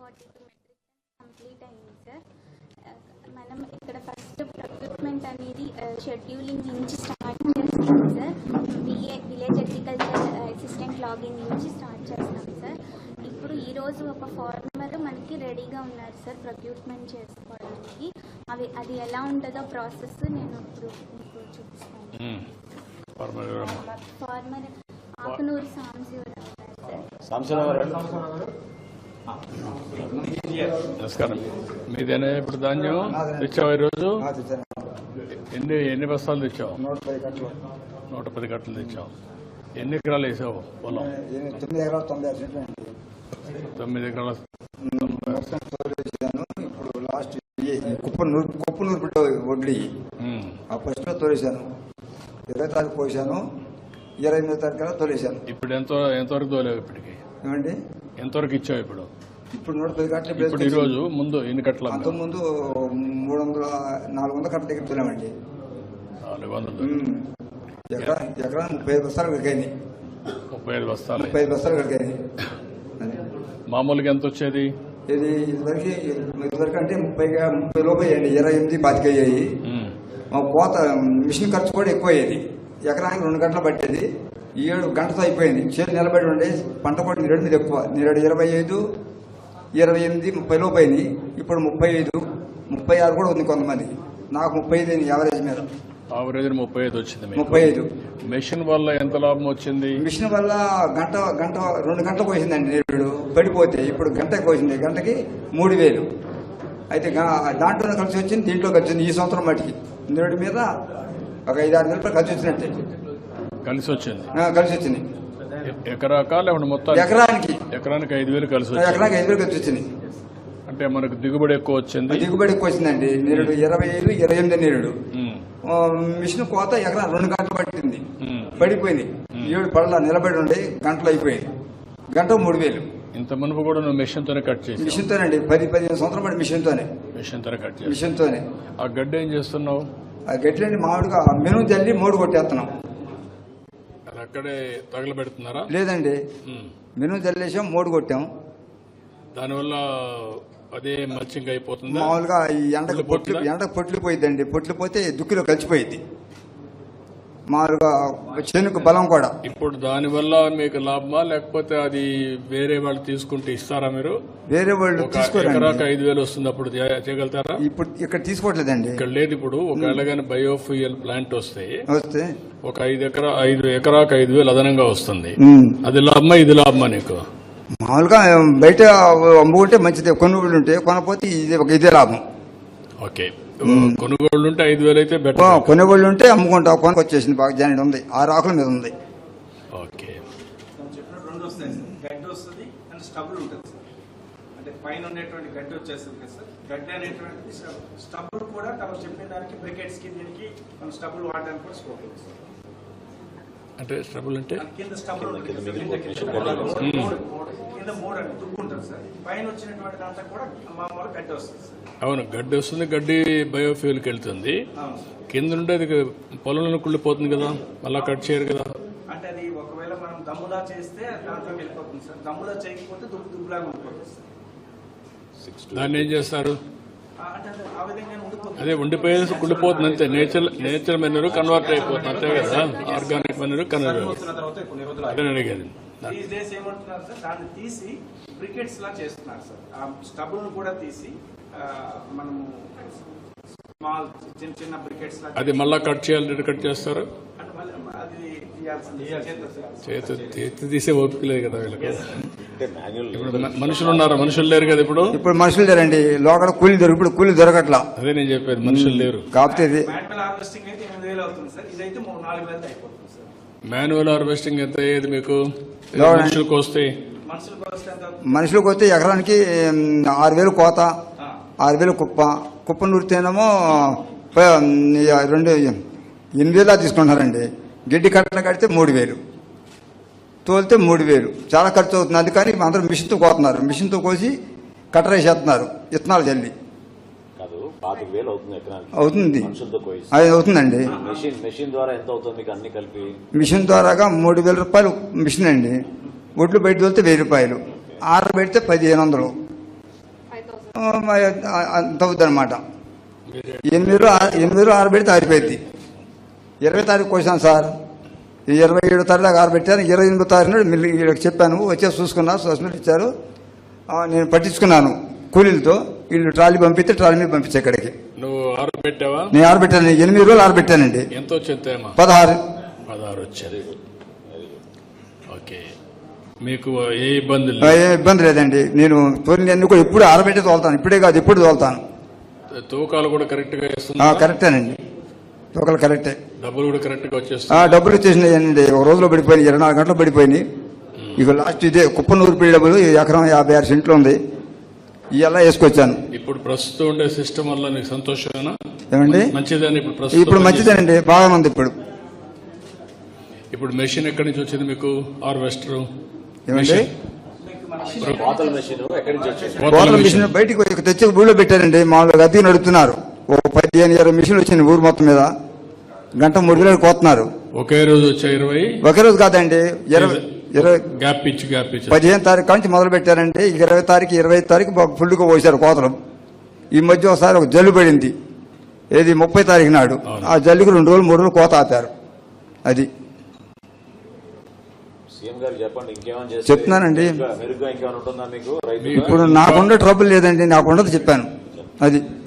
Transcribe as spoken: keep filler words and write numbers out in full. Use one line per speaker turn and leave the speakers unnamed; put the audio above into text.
Forty two metric complete అయింది sir. మనం ఇక్కడ ఫస్ట్ ప్రొక్యూర్మెంట్ అనేది షెడ్యూలింగ్ నుంచి స్టార్ట్ చేస్తాం sir. VA village agriculture assistant login నుంచి స్టార్ట్ చేస్తాం సార్. ఇప్పుడు ఈరోజు ఒక ఫార్మర్ మనకి రెడీగా ఉన్నారు సార్ ప్రొక్యూర్మెంట్ చేసుకోవడానికి. అవి అది ఎలా ఉంటుందో ప్రాసెస్ నేను ఇప్పుడు మీకు చూపిస్తాను. ఫార్మర్ ఆకునూరు సాంబశివరావు గారు సార్.
నమస్కారం. మీదేనా ఇప్పుడు ధాన్యం తెచ్చావు ఈరోజు? ఎన్ని ఎన్ని బస్తాలు తెచ్చావు? నూట పది కట్టలు తెచ్చావు. ఎన్ని ఎకరాలు వేసావు పొలం?
తొమ్మిది ఎకరాలు తొంభై ఆరు సెంట్లు.
తొమ్మిది ఎకరాల
ఇప్పుడు లాస్ట్ కుప్పనూరు కుప్పనూరు బిడ్డ వడ్లీ ఆ ఫస్ట్ లో తోలేశాను. ఇరవై తారీఖు పోసాను, ఇరవై ఎనిమిదో తారీఖు తోలేశాను.
ఇప్పుడు ఎంత ఎంతవరకు తోలేవు? ఇప్పటికి
ఏమండి
ఎంతవరకు ఇచ్చావు? ఇప్పుడు
ఇప్పుడు నూట పది కట్టలు.
ఇప్పుడు ఈ రోజు ముందు ఎన్ని కట్టలు?
అంత ముందు మూడు వందల నాలుగు వందల కట్టల దగ్గర తోలామండి.
నాలుగు వందలు
ఎకరా ఎకరా ముప్పై ఐదు బస్తాలు కడిగాయి.
ముప్పై ఐదు బస్తాలు
ముప్పై ఐదు బస్తాలు కడిగాయి.
మామూలుగా ఎంత వచ్చేది?
ఇది ఇదివరకు ఇదివరకు అంటే ముప్పై ముప్పై లోపు అయ్యండి. ఇరవై ఎనిమిది పాతిక అయ్యాయి. మా కోత మిషన్ ఖర్చు కూడా ఎక్కువ అయ్యేది. ఎకరానికి రెండు గంటలు పట్టేది. ఈ ఏడు గంటతో అయిపోయింది. చేతి నిలబడి ఉండే పంట కూడా నేరేడు మీద ఎక్కువ. నేరేడు ఇరవై ఐదు ఇరవై ఎనిమిది ముప్పై లోపు అయింది. ఇప్పుడు ముప్పై ఐదు ముప్పై ఆరు కూడా ఉంది కొంతమంది. నాకు ముప్పై ఐదు అయింది యావరేజ్ మీద.
యావరేజ్ ముప్పై ఐదు వచ్చింది.
ముప్పై ఐదు
మెషిన్ వల్ల ఎంత లాభం వచ్చింది?
మిషన్ వల్ల గంట గంట రెండు గంటలు కోసిందండి నేరేడు పడిపోతే. ఇప్పుడు గంట కోసింది. గంటకి మూడు వేలు అయితే దాంట్లో కలిసి వచ్చింది, దీంట్లో కలిసి వచ్చింది. ఈ సంవత్సరం మట్టికి నేరేడు మీద ఒక ఐదు ఆరు నెలలు కలిసి వచ్చినట్టే.
కలిసి వచ్చింది
కలిసి వచ్చింది.
ఎకరాకా లేకుంటే మొత్తం?
ఎకరానికి
ఎకరానికి ఐదు వేలు కలిసి వచ్చింది.
ఎకరానికి ఐదు వేలు కలిసి వచ్చింది.
అంటే మనకు దిగుబడి ఎక్కువ వచ్చింది.
దిగుబడి ఎక్కువ వచ్చిందండి. నేరేడు ఇరవై ఐదు ఇరవై ఎనిమిది నేరేడు మిషన్ కోత ఎకరా రెండు గంటలు పట్టింది. పడిపోయింది. ఏడు పడలా నిలబడి ఉండే గంటలు అయిపోయింది. గంట మూడు వేలు.
ఇంత మునుపు కూడా నువ్వు మిషన్ తోనే కట్ చేసి?
మిషన్ తోనండి. పది పదిహేను సంవత్సరం పడి మిషన్ తోనే
మిషన్ తోనే కట్ చేసి
మిషన్ తోనే.
ఆ గడ్డ ఏం చేస్తున్నావు?
ఆ గడ్డలండి మామిడిగా మెను జల్లి మూడు కొట్టేస్తున్నాం.
అది అక్కడే తగలబెడుతున్నారా?
లేదండి, మెను జల్లేసాం, మూడు కొట్టాం.
దానివల్ల అదే మల్చింగ్ అయిపోతుంది.
మామూలుగా ఈ ఎండకు పొట్లు ఎండకు పొట్లు పోయిద్దండి. పొట్లు పోతే దుక్కిలో కలిసిపోయింది. మామూలుగా చేనుకు బలం కూడా.
ఇప్పుడు దానివల్ల మీకు లాభమా లేకపోతే అది వేరే వాళ్ళు తీసుకుంటే ఇస్తారా? మీరు
వేరే వాళ్ళు
ఎకరాకు ఐదు వేలు వస్తుంది, అప్పుడు చేయగలుగుతారా?
ఇప్పుడు ఇక్కడ తీసుకోవట్లేదండి.
ఇక్కడ లేదు. ఇప్పుడు ఒకవేళ కానీ బయోఫ్యూయల్ ప్లాంట్ వస్తే
వస్తే
ఒక ఐదు ఎకరా ఐదు ఎకరాకు ఐదు వేలు అదనంగా వస్తుంది. అది లాభమా ఇది లాభమా నీకు?
మామూలుగా బయట అమ్ముకుంటే మంచిదే. కొనుగోళ్ళు ఉంటే కొనపోతే ఇది ఒక ఇదే లాభం.
ఓకే, కొనుగోళ్ళు ఉంటే ఐదు వేలు అయితే బెటర్.
కొనుగోళ్ళు ఉంటే అమ్ముకుంటా. కొనుక్కు వచ్చేసింది బాగా జాయిన్ ఉంది. ఆరు ఆకుల మీద ఉంది.
ఓకే,
రెండు వస్తాయి సార్. గడ్డి వస్తుంది అండ్ స్టబుల్ ఉంటుంది సార్. అంటే పైన ఉండేటువంటి గడ్డి వచ్చేస్తుంది కదా సార్. గడ్డి అనేటువంటిది స్టబుల్ కూడా తమకు చెప్పిన దానికి బ్రికెట్స్ కి దీనికి మనం స్టబుల్ వాడడానికి కూడా స్కోప్ ఉంది సార్.
అంటే స్టబుల్ అంటే
కింద స్టబుల్ కింద మూడు అంటే దుక్కు ఉంటుంది సార్. పైన వచ్చినటువంటి దాంట్లో కూడా మామూలు గడ్డి వస్తుంది సార్.
అవును, గడ్డి వస్తుంది. గడ్డి బయోఫ్యూల్కి వెళ్తుంది. కింద నుండి అది పొలంలో కుళ్ళిపోతుంది కదా, మళ్ళా కట్ చేయరు కదా.
అంటే అది ఒకవేళ మనం దమ్ములా చేస్తే దాంట్లో వెళ్ళిపోతుంది సార్. దమ్ములా చేయకపోతే దుక్కు దుబ్బులాగా ఉండిపోతుంది సార్.
దాన్ని ఏం చేస్తారు?
అంటే ఆ విధంగా ఉండిపోతుంది.
అదే ఉండిపోయేసి కుళ్ళిపోతుంది అంతే. నేచర్ నేచర్ మెనూర్ కన్వర్ట్ అయిపోతుంది అంతే కదా. Organic manure convert. అదే అడిగేది.
ఈ డేస్ ఏమంటున్నారు సార్, దాన్ని తీసి బ్రికెట్స్ లా చేస్తున్నారు సార్. ఆ స్టబుల్ ను కూడా తీసి మనము స్మాల్ చిన్న చిన్న బ్రికెట్స్ లా.
అది మళ్ళా కట్ చేయాలి. కట్ చేస్తారు.
అది
చేతి చేతి తీసే ఓపిక లేదు కదా వీళ్ళకి. ఇప్పుడు మనుషులు ఉన్నారా? మనుషులు లేరు కదా ఇప్పుడు.
ఇప్పుడు మనుషులు లేరండి. లోకల్ కూలీ దొరికి ఇప్పుడు కూలీ దొరకట్లా.
అదే నేను చెప్పేది, మనుషులు లేరు.
కాకపోతే
మాన్యువల్ హార్వెస్టింగ్ అయితే ఎనిమిది వేలు అవుతుంది సార్. ఇదైతే మూడు నాలుగు వేలు అయిపోతుంది సార్.
మాన్యువల్ హార్వెస్టింగ్ ఎంత అయ్యేది మీకు? మనుషులకు వస్తే
మనుషులకు వస్తే ఎకరానికి ఆరు వేలు కోత, ఆరు వేలు కుప్ప. కుప్ప నూరితేనేమో రెండు ఎనిమిది వేలా తీసుకుంటున్నారండి. గిడ్డి కట్టలు కడితే మూడు వేలు, తోలితే మూడు వేలు. చాలా ఖర్చు అవుతుంది. అందుకని అందరూ మిషన్తో కోతున్నారు. మిషన్తో కోసి కట్టరేసేస్తున్నారు విత్తనాలు జల్లి. అవుతుంది, అది అవుతుందండి. మిషన్ ద్వారాగా మూడు వేల రూపాయలు మిషన్ అండి. ఒడ్లు బయట తోలితే వెయ్యి రూపాయలు, ఆరు పెడితే పదిహేను వందలు. అంత అవుద్ది అనమాట. ఎనిమిదిలో ఎనిమిదిలో ఆరబెడితే ఆరిపోయింది. ఇరవై తారీఖు వచ్చాను సార్, ఈ ఇరవై ఏడో తారీఖు దాకా ఆరబెట్టాను. ఇరవై ఎనిమిదో తారీఖు నాడు మళ్ళీ వీళ్ళకి చెప్పాను, వచ్చేసి చూసుకున్నా, సస్పెండ్ ఇచ్చారు. నేను పట్టించుకున్నాను కూలీలతో. వీళ్ళు ట్రాలీ పంపిస్తే ట్రాలీ మీద పంపించే ఇక్కడికి.
నువ్వు ఆరబెట్టావా?
నేను ఆరబెట్టాను, ఎనిమిది రోజులు ఆరబెట్టానండి.
ఎంత వచ్చింది?
పదహారు
పదహారు వచ్చారు. ఓకే, మీకు ఏ ఇబ్బంది
ఏ ఇబ్బంది లేదండి. నేను తోలిని కూడా ఎప్పుడు ఆరబెట్టి తోలుతాను, ఇప్పుడే కాదు ఎప్పుడు తోలుతాను.
తూకాలు కూడా కరెక్ట్ గా వేస్తున్నా?
కరెక్టేనండి, తూకాలు కరెక్టే.
డబ్బులు కూడా కరెక్ట్ గా వచ్చేస్తా?
డబ్బులు వచ్చేసినాయండి, ఒక రోజులో పడిపోయినాయి, ఇరవై నాలుగు గంటలు పడిపోయినాయి. ఇక లాస్ట్ ఇదే కుప్పనూరు పీడి డబ్బులు ఎకరం యాభై ఆరు సెంట్లు ఉంది, ఇలా వేసుకొచ్చాను.
ఇప్పుడు ప్రస్తుతం ఉండే సిస్టమ్ వల్ల నీకు సంతోషమేనా?
ఏమండి
మంచిదని ఇప్పుడు ప్రస్తుతం
ఇప్పుడు మంచిదేనండి, బాగా ఉంది. ఇప్పుడు
ఇప్పుడు మెషిన్ ఎక్కడి నుంచి వచ్చింది మీకు? హార్వెస్టర్
ఏమండి
కోతల మెషిన్ ఎక్కడి నుంచి వచ్చింది?
కోతల మిషన్ బయటికి తెచ్చి ఊళ్ళో పెట్టారండి. మామూలుగా అద్దెకి నడుపుతున్నారు. ఓ పదిహేను ఇరవై మిషన్లు వచ్చింది ఊరు మొత్తం మీద, గంట మూడు వేలు కోతున్నారు.
ఒకే రోజు వచ్చా ఇరవై?
ఒకే రోజు కాదండి, ఇరవై ఇరవై
గ్యాప్ ఇచ్చి గ్యాప్ ఇచ్చి
పదిహేను తారీఖు నుంచి మొదలు పెట్టారంటే ఇరవై తారీఖు ఇరవై తారీఖు బాగా ఫుల్గా పోసారు కోతలు. ఈ మధ్య ఒకసారి ఒక జల్లు పడింది, ఏది ముప్పై తారీఖు నాడు. ఆ జల్లుకి రెండు రోజులు మూడు రోజులు కోత ఆపారు. అది
సీఎం గారు చెప్పండి, ఇంకేమైనా చేస్తే
చెప్తున్నానండి.
మెరుగ్గా ఇంకేమైనా ఉంటుందా మీకు? రైతు
ఇప్పుడు నాకుండే ట్రబుల్ లేదండి, నాకుండదు చెప్పాను. అది